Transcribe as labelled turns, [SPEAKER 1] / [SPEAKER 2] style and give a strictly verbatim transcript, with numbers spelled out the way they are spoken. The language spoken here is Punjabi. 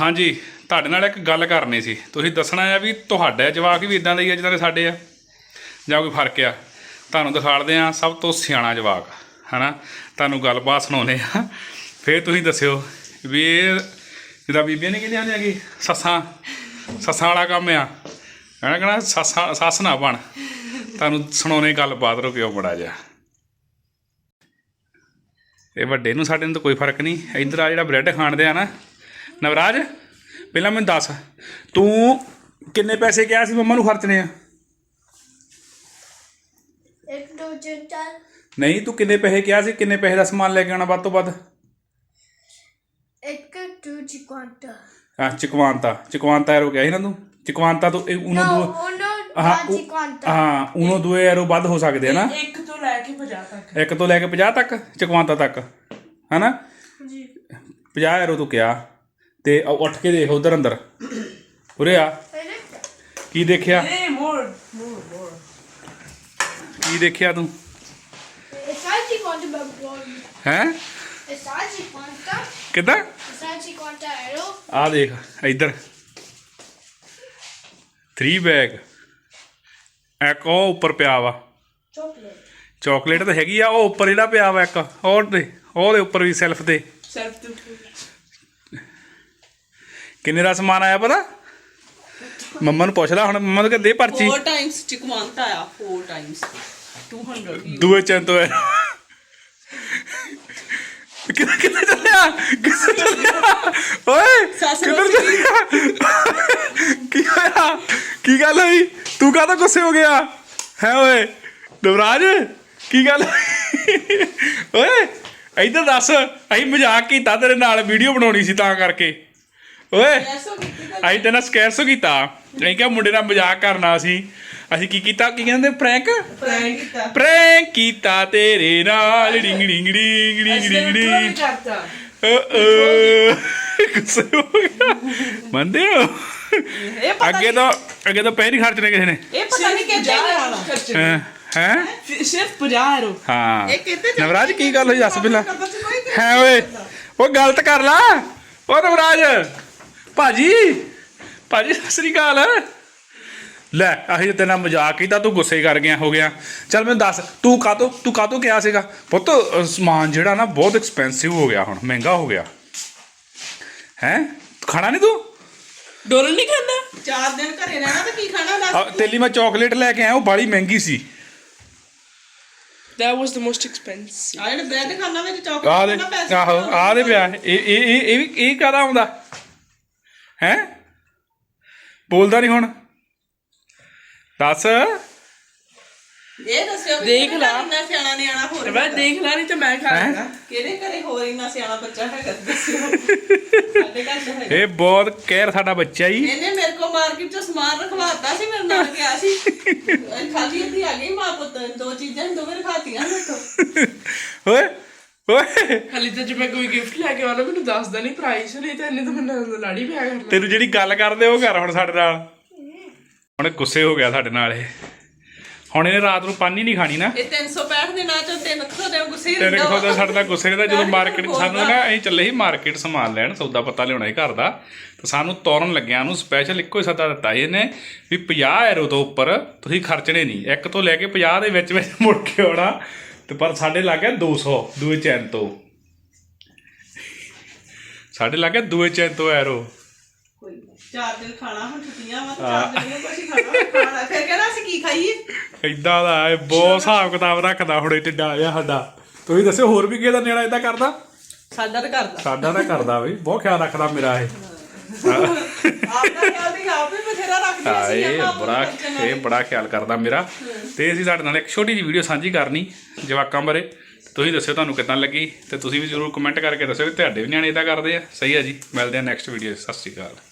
[SPEAKER 1] हाँ जी ਤੁਹਾਡੇ ਨਾਲ ਇੱਕ ਗੱਲ ਕਰਨੀ ਸੀ। ਤੁਸੀਂ ਦੱਸਣਾ ਆ ਵੀ ਤੁਹਾਡੇ ਜਵਾਕ ਵੀ ਇਦਾਂ ਦੇ ਹੀ ਆ ਜਿੱਦਾਂ ਦੇ ਸਾਡੇ ਆ ਜਾਂ ਕੋਈ ਫਰਕ ਆ। ਤੁਹਾਨੂੰ ਦਿਖਾੜਦੇ ਆ ਸਭ ਤੋਂ ਸਿਆਣਾ ਜਵਾਕ ਹੈ ਨਾ। ਤੁਹਾਨੂੰ ਗੱਲਬਾਤ ਸੁਣਾਉਂਦੇ ਆ ਫਿਰ ਤੁਸੀਂ ਦੱਸਿਓ ਵੀ ਇਹ ਜਿੱਦਾਂ ਬੀਬੀਆਂ ਨੇ ਕਹਿੰਦੀਆਂ ਹੁੰਦੀਆਂ ਕਿ ਸੱਸਾਂ ਸੱਸਾਂ ਵਾਲਾ ਕੰਮ ਆ ਕਹਿਣਾ ਕਹਿਣਾ ਸੱਸਾਂ ਸੱਸ ਨਾ ਬਣ। ਤੁਹਾਨੂੰ ਸੁਣਾਉਣੇ ਗੱਲਬਾਤ ਰੁਕਿਓ ਬੜਾ ਜਿਹਾ। ਇਹ ਵੱਡੇ ਨੂੰ ਸਾਡੇ ਨੂੰ ਤਾਂ ਕੋਈ ਫਰਕ ਨਹੀਂ। ਇੱਧਰ ਆ ਜਿਹੜਾ ਬ੍ਰੈਡ ਖਾਣਦੇ ਆ ਨਾ ਨਵਰਾਜ ਪਹਿਲਾਂ ਮੈਨੂੰ ਦੱਸ ਤੂੰ ਕਿੰਨੇ ਪੈਸੇ ਕਿਹਾ ਸੀ ਮੰਮਾ ਨੂੰ ਖਰਚਣੇ ਆ?
[SPEAKER 2] ਇੱਕ ਦੋ ਤਿੰਨ ਚਾਰ
[SPEAKER 1] ਨਹੀਂ ਤੂੰ ਕਿੰਨੇ ਪੈਸੇ ਕਿਹਾ ਸੀ? ਕਿੰਨੇ ਪੈਸੇ ਦਾ ਸਮਾਨ ਲੈ ਕੇ ਆਉਣਾ ਵੱਧ ਤੋਂ ਵੱਧ?
[SPEAKER 2] ਇੱਕ ਦੋ ਚਿਕਵਾਂਟਾ
[SPEAKER 1] ਹਾਂ ਚਕਵਾਂਤਾ ਚਕਵਾਂਤਾ ਐਰੋ ਕਿਹਾ ਸੀ ਨਾ ਤੂੰ। ਚਕਵਾਂਤਾ ਤੋਂ ਉਨੋਂ ਦੋ ਹਾਂ ਹਾਂ ਉਨੋਂ ਦੋ ਐਰੋ ਵੱਧ ਹੋ ਸਕਦੇ ਆ ਨਾ।
[SPEAKER 3] ਇੱਕ ਤੋਂ ਲੈ ਕੇ ਪੰਜਾਹ ਤੱਕ
[SPEAKER 1] ਇੱਕ ਤੋਂ ਲੈ ਕੇ ਪੰਜਾਹ ਤੱਕ ਚਕਵਾਂਤਾ ਤੱਕ ਹੈ ਨਾ
[SPEAKER 2] ਜੀ।
[SPEAKER 1] ਪੰਜਾਹ ਐਰੋ ਤੂੰ ਕਿਹਾ ਤੇ ਉੱਠ ਕੇ ਦੇਖ ਉਧਰ ਅੰਦਰ ਉਰੇ ਆ ਕੀ ਦੇਖਿਆ?
[SPEAKER 3] ਨਹੀਂ ਮੋਰ ਮੋਰ ਮੋਰ
[SPEAKER 1] ਕੀ ਦੇਖਿਆ ਤੂੰ
[SPEAKER 2] Essa cinquanta babão.
[SPEAKER 1] ਹੈ?
[SPEAKER 2] Essa cinquanta.
[SPEAKER 1] ਕਿੱਦਾਂ?
[SPEAKER 2] Essa cinquanta euro.
[SPEAKER 1] ਆ ਦੇਖ ਇੱਧਰ ਥ੍ਰੀ ਬੈਗ ਇੱਕ ਉਹ ਉੱਪਰ ਪਿਆ ਵਾ
[SPEAKER 2] Chocolate.
[SPEAKER 1] ਚਾਕਲੇਟ ਤਾਂ ਹੈਗੀ ਆ ਉਹ ਉੱਪਰ ਜਿਹੜਾ ਪਿਆ ਵਾ ਇੱਕ ਹੋਰ ਤੇ ਉਹਦੇ ਉੱਪਰ ਵੀ ਸੈਲਫ ਤੇ
[SPEAKER 3] ਸੈਲਫ ਟੂ
[SPEAKER 1] ਕਿੰਨੇ ਦਾ ਸਮਾਨ ਆਇਆ ਪਤਾ? ਮੰਮਾ ਨੂੰ ਪੁੱਛ ਲੈ ਹੁਣ। ਮੰਮਾ ਨੂੰ ਕਹਿੰਦੇ ਦੇ ਪਰਚੀ
[SPEAKER 3] four times ਚਿਕਵਾਂਤਾ ਆ four times two hundred
[SPEAKER 1] ਦੂਏ ਚੈਨ ਤੋਂ ਹੈ ਕਿੱਥੇ ਕਿੱਥੇ ਚੱਲਿਆ ਕਿੱਥੇ ਚੱਲਿਆ ਓਏ ਕਿੱਧਰ ਚੱਲਿਆ ਕੀ ਹੋਇਆ ਕੀ ਗੱਲ ਹੋਈ ਤੂੰ ਕਾਹਦਾ ਗੁੱਸੇ ਹੋ ਗਿਆ ਹੈ ਓਏ ਨਵਰਾਜ ਕੀ ਗੱਲ ਓਏ ਇੱਧਰ ਦੱਸ ਅਸੀਂ ਮਜ਼ਾਕ ਕੀਤਾ ਤੇਰੇ ਨਾਲ ਵੀਡੀਓ ਬਣਾਉਣੀ ਸੀ ਤਾਂ ਕਰਕੇ ਓਏ ਅਸੀਂ ਤੇ ਨਾ ਸਕੈਰਸੋ ਕੀਤਾ ਅਸੀਂ ਕਿਹਾ ਮੁੰਡੇ ਨਾਲ ਮਜ਼ਾਕ ਕਰਨਾ ਸੀ ਅਸੀਂ ਕੀ ਕੀਤਾ ਕੀ ਕਹਿੰਦੇ ਪ੍ਰੈਂਕ
[SPEAKER 3] ਪ੍ਰੈਂਕ ਕੀਤਾ
[SPEAKER 1] ਪ੍ਰੈਂਕ ਕੀਤਾ ਤੇਰੇ ਨਾਲ ਡਿੰਗ ਡਿੰਗ ਡਿੰਗ ਡਿੰਗ ਡਿੰਗ ਡਿੰਗ
[SPEAKER 3] ਕਰਤਾ
[SPEAKER 1] ਗੁੱਸੇ ਹੋ ਗਿਆ ਮੰਨਦੇ ਹੋ?
[SPEAKER 3] ਇਹ ਪਤਾ
[SPEAKER 1] ਅੱਗੇ ਤੋਂ ਅੱਗੇ ਤੋਂ ਪੈਸੇ ਨਹੀਂ ਖਰਚਣੇ ਕਿਸੇ ਨੇ
[SPEAKER 3] ਇਹ ਪਤਾ ਨਹੀਂ ਕਿੱਥੇ ਜਾਣਾ
[SPEAKER 1] ਹੈ ਹੈ
[SPEAKER 3] ਸਿਰਫ ਪੰਜਾਹ ਯੂਰੋ
[SPEAKER 1] ਹਾਂ
[SPEAKER 3] ਇਹ ਕਿੱਥੇ
[SPEAKER 1] ਨਵਰਾਜ ਕੀ ਗੱਲ ਹੋਈ ਦੱਸ ਪਹਿਲਾਂ
[SPEAKER 3] ਕਰਦਾ ਸੀ ਕੋਈ
[SPEAKER 1] ਹੈ ਓਏ ਉਹ ਗਲਤ ਕਰ ਲਾ ਉਹ ਨਵਰਾਜ ਭਾਜੀ ਭਾਜੀ ਸਤਿ ਸ੍ਰੀ ਅਕਾਲ ਲੈ ਅਸੀਂ ਤੇਰੇ ਨਾਲ ਮਜ਼ਾਕ ਕੀਤਾ ਤੂੰ ਗੁੱਸੇ ਕਰ ਗਿਆ ਹੋ ਗਿਆ। ਚੱਲ ਮੈਨੂੰ ਦੱਸ ਤੂੰ ਕਾਹਤੋਂ ਤੂੰ ਕਾਹਤੋਂ ਕਿਹਾ ਸੀਗਾ ਪੁੱਤ ਸਮਾਨ ਜਿਹੜਾ ਨਾ ਬਹੁਤ ਐਕਸਪੈਂਸਿਵ ਹੋ ਗਿਆ ਹੁਣ ਮਹਿੰਗਾ ਹੋ ਗਿਆ ਹੈ ਖਾਣਾ ਨਹੀਂ ਤੂੰ
[SPEAKER 3] ਡੋਲ ਨਹੀਂ ਖਾਂਦਾ ਚਾਰ ਦਿਨ ਘਰੇ ਰਹਿਣਾ ਤਾਂ ਕੀ ਖਾਣਾ ਦੱਸ
[SPEAKER 1] ਤੇਲੀ ਮੈਂ ਚਾਕਲੇਟ ਲੈ ਕੇ ਆਇਆ ਉਹ ਬਾਲੀ ਮਹਿੰਗੀ ਸੀ।
[SPEAKER 3] that was the most expensive ਆ ਜਿਹੜੇ ਬ੍ਰੈਡ ਖਾਣਾ ਵਿੱਚ
[SPEAKER 1] ਆ
[SPEAKER 3] ਚਾਕਲੇਟ
[SPEAKER 1] ਦੇ
[SPEAKER 3] ਨਾ ਪੈਸੇ
[SPEAKER 1] ਆਹੋ ਆ ਦੇ ਪਿਆ ਇਹ ਇਹ ਇਹ ਇਹ ਵੀ ਇਹ ਕਾਹਦਾ ਆਉਂਦਾ ਹੈ ਬੋਲਦਾ ਨਹੀਂ ਹੁਣ ਦੱਸ
[SPEAKER 3] ਇਹ ਦੱਸਿਓ ਦੇਖ ਲਾ ਇੰਨਾ ਸਿਆਣਾ ਨਿਆਣਾ ਹੋਰ ਮੈਂ ਦੇਖ ਲਾ ਨਹੀਂ ਤੇ ਮੈਂ ਖਾ ਲੈਣਾ ਕਿਹਦੇ ਘਰੇ ਹੋਰ ਇੰਨਾ ਸਿਆਣਾ ਬੱਚਾ ਹੈਗਾ ਦੱਸਿਓ ਸਾਡੇ ਘਰ ਤਾਂ ਹੈਗਾ
[SPEAKER 1] ਇਹ ਬਹੁਤ ਕਹਿਰ ਸਾਡਾ ਬੱਚਾ ਹੀ
[SPEAKER 3] ਇਹਨੇ ਮੇਰੇ ਕੋ ਮਾਰਕੀਟ ਚੋਂ ਸਮਾਨ ਰਖਵਾਤਾ ਸੀ ਮੇਰੇ ਨਾਲ ਗਿਆ ਸੀ ਖਾਲੀ ਇੱਥੇ ਆ ਗਈ ਮਾਂ ਪੁੱਤ ਦੋ ਚੀਜ਼ਾਂ ਦੋਵੇਂ ਰਖਾਤੀਆਂ ਮੇਰੇ ਤੋਂ
[SPEAKER 1] ਓਏ ਓਏ
[SPEAKER 3] ਹਾਲੇ ਤਾਂ ਜੇ ਮੈਂ ਕੋਈ ਗਿਫਟ ਲੈ ਕੇ ਆਉਣਾ ਮੈਨੂੰ ਦੱਸਦਾ ਨਹੀਂ ਪ੍ਰਾਈਸ ਨਹੀਂ ਤਾਂ ਇਹਨੇ ਤਾਂ ਮੈਨੂੰ ਲਾੜੀ ਪਿਆ ਕਰਨਾ
[SPEAKER 1] ਤੈਨੂੰ ਜਿਹੜੀ ਗੱਲ ਕਰਦੇ ਉਹ ਕਰ ਹੁਣ ਸਾਡੇ ਨਾਲ। ਹੁਣ ਗੁੱਸੇ ਹੋ ਗਿਆ ਸਾਡੇ ਨਾਲ ਇਹ ਹੁਣ ਇਹਨੇ ਰਾਤ ਨੂੰ ਪਾਣੀ ਨਹੀਂ ਖਾਣੀ ਨਾ।
[SPEAKER 3] ਇਹ ਤਿੰਨ ਸੌ ਪੈਂਹਠ ਦੇ ਨਾਲ ਚੋਂ ਤਿੰਨ ਸੌ ਦੇ ਗੁੱਸੇ
[SPEAKER 1] ਤੇਰੇ ਕੋਲ ਤਾਂ ਸਾਡੇ ਦਾ ਗੁੱਸੇ ਦਾ ਜਦੋਂ ਮਾਰਕੀਟ ਸਾਨੂੰ ਨਾ ਅਸੀਂ ਚੱਲੇ ਸੀ ਮਾਰਕੀਟ ਸਮਾਨ ਲੈਣ ਸੌਦਾ ਪੱਤਾ ਲਿਆਉਣਾ ਸੀ ਘਰ ਦਾ ਤਾਂ ਸਾਨੂੰ ਤੋਰਨ ਲੱਗਿਆ ਨੂੰ ਸਪੈਸ਼ਲ ਇੱਕੋ ਹੀ ਸੱਦਾ ਦਿੱਤਾ ਸੀ ਇਹਨੇ ਵੀ ਪੰਜਾਹ ਯੂਰੋ ਤੋਂ ਉੱਪਰ ਤੁਸੀਂ ਖਰਚਣੇ ਨਹੀਂ ਇੱਕ ਤੋਂ ਲੈ ਕੇ ਪੰਜਾਹ ਦੇ ਵਿੱਚ ਵਿੱਚ ਮੁੜ ਕੇ ਆਉਣਾ ਤੇ ਪਰ ਸਾਡੇ ਲੱਗ ਗਿਆ ਦੋ ਸੌ ਦੂਏ ਚੈਨ ਤੋਂ ਸਾਡੇ ਲੱਗ ਗਿਆ ਦੂਏ ਚੈਨ ਤੋਂ ਐਰੋ
[SPEAKER 3] ਚਾਰ ਦਿਨ ਖਾਣਾ ਹੁਣ ਛੁੱਟੀਆਂ ਵਾ ਚਾਰ ਦਿਨ ਕੁਛ ਹੀ ਖਾਣਾ ਖਾਣਾ ਫਿਰ ਕਹਿੰਦਾ ਅਸੀਂ ਕੀ ਖਾਈਏ
[SPEAKER 1] ਏਦਾਂ ਦਾ ਇਹ ਬਹੁਤ ਹਿਸਾਬ ਕਿਤਾਬ ਰੱਖਦਾ ਹੁਣ ਇਹ ਢਿੱਡਾ ਜਿਹਾ ਸਾਡਾ। ਤੁਸੀਂ ਦੱਸਿਓ ਹੋਰ ਵੀ ਕਿਹਦਾ ਨਿਆਣਾ ਏਦਾਂ ਕਰਦਾ?
[SPEAKER 3] ਸਾਡਾ ਤਾਂ ਕਰਦਾ
[SPEAKER 1] ਸਾਡਾ ਤਾਂ ਕਰਦਾ ਬਈ ਬਹੁਤ ਖਿਆਲ ਰੱਖਦਾ ਮੇਰਾ ਇਹ
[SPEAKER 3] ਆਪਦਾ ਖਿਆਲ ਦੀ ਆਪ ਵੀ ਬਥੇਰਾ ਰੱਖਦੀ
[SPEAKER 1] ਹਾਂ
[SPEAKER 3] ਸੀ
[SPEAKER 1] ਇਹ ਬੜਾ ਇਹ ਬੜਾ ਖਿਆਲ ਕਰਦਾ ਮੇਰਾ। ਤੇ ਅਸੀਂ ਸਾਡੇ ਨਾਲ ਇੱਕ ਛੋਟੀ ਜਿਹੀ ਵੀਡੀਓ ਸਾਂਝੀ ਕਰਨੀ ਜਵਾਕਾਂ ਬਾਰੇ। ਤੁਸੀਂ ਦੱਸਿਓ ਤੁਹਾਨੂੰ ਕਿੱਦਾਂ ਲੱਗੀ ਤੇ ਤੁਸੀਂ ਵੀ ਜ਼ਰੂਰ ਕਮੈਂਟ ਕਰਕੇ ਦੱਸਿਓ ਕਿ ਤੁਹਾਡੇ ਵੀ ਨਿਆਣੇ ਏਦਾਂ ਕਰਦੇ ਆ। ਸਹੀ ਆ ਜੀ ਮਿਲਦੇ ਆ ਨੈਕਸਟ ਵੀਡੀਓ। ਸਤਿ ਸ਼੍ਰੀ ਅਕਾਲ।